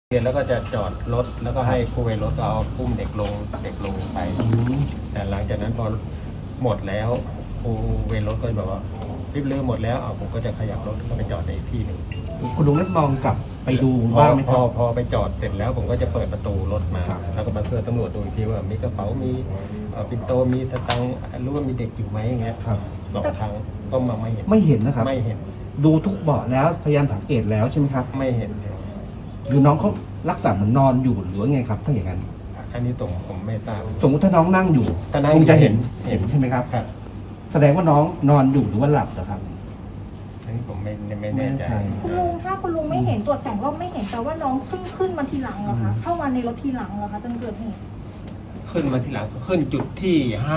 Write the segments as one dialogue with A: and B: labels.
A: เรียนแล้วก็จะจอดรถแล้วก็ให้ครูเวรรถเอาอุ้มเด็กลงไปแต่หลังจากนั้นพอหมดแล้วครูเวรรถก็บอกว่ารีบเรือหมดแล้วผมก็จะขยับรถก็ไปจอดในอีกที่หนึ่ง
B: คุณลุงได้มองกลับไปดูบ้างไหมครับ
A: พอไปจอดเสร็จแล้วผมก็จะเปิดประตูรถมาแล้วก็มาเพื่อตำรวจดูอีกทีว่ามีกระเป๋ามีปิ่นโตมีสตังค์รู้ว่ามีเด็กอยู่ไหมอย่างเงี้ยสองครั้งก็มาไม่เห็น
B: นะครับ
A: ไม่เห็น
B: ดูทุกเบาะแล้วพยายามสังเกตแล้วใช่ไหมครับ
A: ไม่เห็น
B: หรือน้องเขาลักษณะเหมือนนอนอยู่หรือว่าไงครับถ้าอย่างนั้น
A: อันนี้ตรงผมไม่ทราบ
B: สมมติถ้าน้องนั่งอยู่คงจะเห็นใช่ไหมครับแสดงว่าน้องนอนอยู่หรือว่าหลับเหรอครับ
A: อันนี้ผมไม่แน่ใจ
C: คุณลุงถ้าคุณลุงไม่เห็นตรวจ2 รอบไม่เห็นแต่ว่าน้องเพิ่งขึ้นมาทีหลังเหรอคะเข้ามาในรถทีหลังเหรอคะจนเกิดเหตุ
A: ขึ้นมาทีหลังก็ขึ้นจุดที่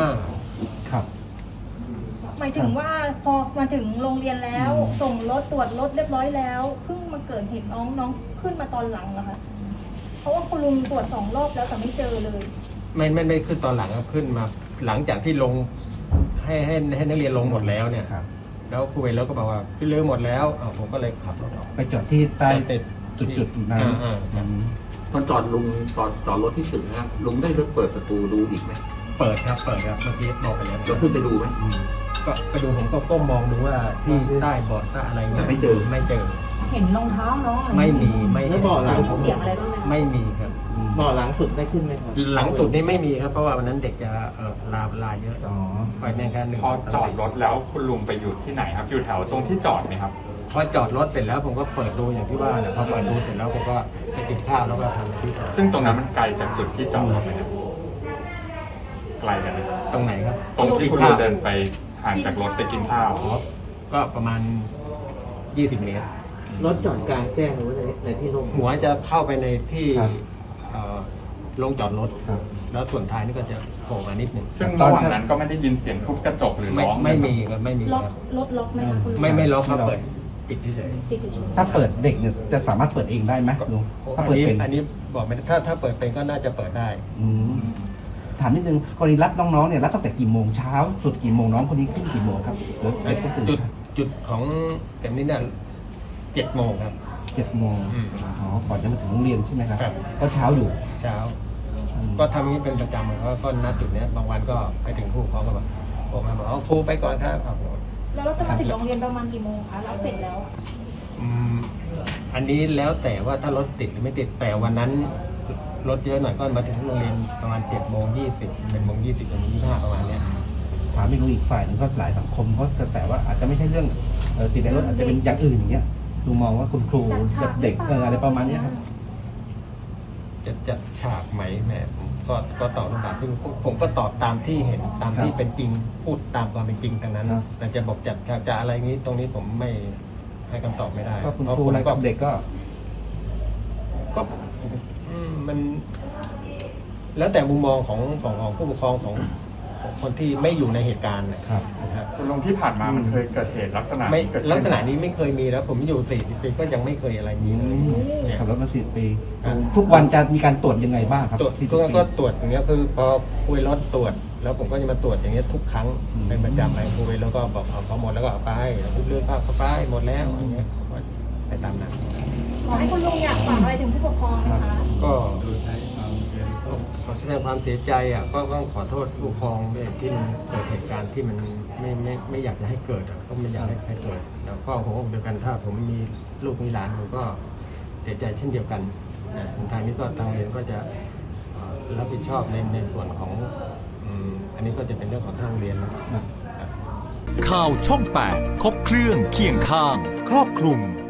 A: 5
B: ครับ
C: หมายถึงว่าพอมาถึงโรงเรียนแล้วส่งรถตรวจรถเรียบร้อยแล้วเพิ่งมาเกิดเหตุน้องขึ้นมาตอนหลังเหรอคะเพราะว่าคุณลุงตรวจ2 รอบแล้วแต่ไม่เจอเลย
A: ไม่ขึ้นตอนหลังครับขึ้นมาหลังจากที่ลงให้นักเรียนลงหมดแล้วเนี่ยแล้วครูเวรแล้วก็บอกว่าพี่เรือหมดแล้วผมก็เลยขับรถออก
B: ไปจอดที่ใต้จุดนั้น
D: ตอนจอดรถที่ถึงนะครับลุงได้เปิดประตูดูอีกไหม
A: เปิดครับเมื่อกี้บอกไปแล้ว
D: เราขึ้นไปดูไหม
A: ก็ไปดูผมก็ก้มมองดูว่าที่ใต้เบาะใต้อะไร
D: ไม่เจอ
C: เห็นรองเท้าน้อง
A: ไม่มี
C: แล้วเบาะหลังเสียงอะไรบ้างไหม
A: ไม่มีครับ
B: เบาะหลังสุดได้ขึ้นไหมครับ
A: หลังสุดนี่ไม่มีครับเพราะว่าวันนั้นเด็กจะลาเยอะไปแน่แค่1
E: พอจอดรถแล้วคุณลุงไปอยู่ที่ไหนครับอยู่แถวตรงที่จอดไหมครับ
A: พอจอดรถเสร็จแล้วผมก็เปิดดูอย่างที่ว่าแหละพอเปิดดูเสร็จแล้วผมก็ไปกินข้าวแล้วก็ทำที่ต่อ
E: ซึ่งตรงนั้นมันไกลจากจุดที่จอดรถไหมครับไกลกันไหม
A: ตรงไหนครับ
E: ตรงที่คุณลุงเดินไปห่างจากรถไปกินข้าว
A: ก็ประมาณ20 เมตร
B: รถจอดกลางแจ้งหรือว่าในที่โล่ง
A: หัวจะเข้าไปในที่ลงจอดรถแล้วส่วนท้ายนี่ก็จะโผล่มานิดหนึ่ง
E: ซึ่งระหว่างนั้นก็ไม่ได้ยินเสียงทุบกระจกหรือร้อง
A: ไม่มีครับไม่มีครับ
C: รถล็อกไหมคะ
A: ไม่ล็อกครับเปิดปิดเฉย
B: ถ้าเปิดเด็กเนี่ยจะสามารถเปิดเองได้ไหมลุงถ้าเปิดเป็น
A: อันนี้บอกไม่ถ้าเปิดเป็นก็น่าจะเปิดได้
B: ถามนิดนึงกรณีรับน้องๆเนี่ยรับตั้งแต่กี่โมงเช้าสุดกี่โมงน้องคนนี้ขึ้นกี่โมงครับ
A: จุดของเต็มนี้เนี่ย7 โมงครับ
B: 7 โมงก่อนจะมาถึงโรงเรียนใช่ไหมครับก็เช้าอยู่
A: เช้าก็ทำนี้เป็นประจำเขาก็นัดจุดนี้บางวันก็ไปถึงผู้ปกครองก็แบบผมมาบอกครูไปก่อนครับ
C: แล้วเราจะมาถึงโรงเรียนประมาณกี่โมงคะเราเสร็จแล้ว
A: อันนี้แล้วแต่ว่าถ้ารถติดหรือไม่ติดแต่วันนั้นรถเยอะหน่อยก็มาถึงโรงเรียนประมาณ7:20 7:20 7:25ประมาณนี้
B: ถามไม่รู้อีกฝ่ายนึงก็หลายสังคมก็กระแสว่าอาจจะไม่ใช่เรื่องติดในรถอาจจะเป็นอย่างอื่นอย่างเงี้ยดูมองว่าคุณครูกับเด็กอะไรประมาณนี้ครับ
A: จะจัดฉากไหมแม่ก็ตอบคำถามผมก็ตอบตามที่เห็นตามที่เป็นจริงพูดตามความเป็นจริงทั้งนั้นแต่จะบอกจัดฉากจะอะไรนี้ตรงนี้ผมไม่ให้คำตอบไม่ได้
B: ก็คุณครูอะไรกับเด็กก็
A: มันแล้วแต่มุมมองของผู้ปกครองของคนที่ไม่อยู่ในเหตุการณ์นะครับ
E: คุณลุงที่ผ่านมามันเคยเกิดเหตุลักษณะ
A: นี้ไม่เคยมีแล้วผมอยู่40 ปีก็ยังไม่เคยอะไรนี้เลย
B: ขับรถมา40 ปีทุกวันจะมีการตรวจยังไงบ้างครับ
A: ทุกวันก็ตรวจอย่างเงี้ยคือพอคุยรถตรวจแล้วผมก็จะมาตรวจอย่างเงี้ยทุกครั้งเป็นประจำไปคุยแล้วก็บอกเอาหมดแล้วก็เอาไปเลื่อนภาพเข้าไปหมดแล้วอย่างเงี้ยไปตามนั้น
C: ขอให้คุณลุงอยากฝากอะไรถึงผู้ปกครองนะคะ
A: ก็ขอแสดงความเสียใจก็ต้องขอโทษผู้ปกครองด้วยที่มันเกิดเหตุการณ์ที่มันไม่อยากจะให้เกิดก็ไม่อยากให้เกิดแล้วก็หัวอกเดียวกันถ้าผมมีลูกมีหลานผมก็เสียใจเช่นเดียวกันทางนี้ก็ทางเรียนก็จะรับผิดชอบในส่วนของอันนี้ก็จะเป็นเรื่องของทางโรงเรียนแล้ว
F: ข่าวช่อง 8 ครบเครื่องเคียงข้างครอบคลุม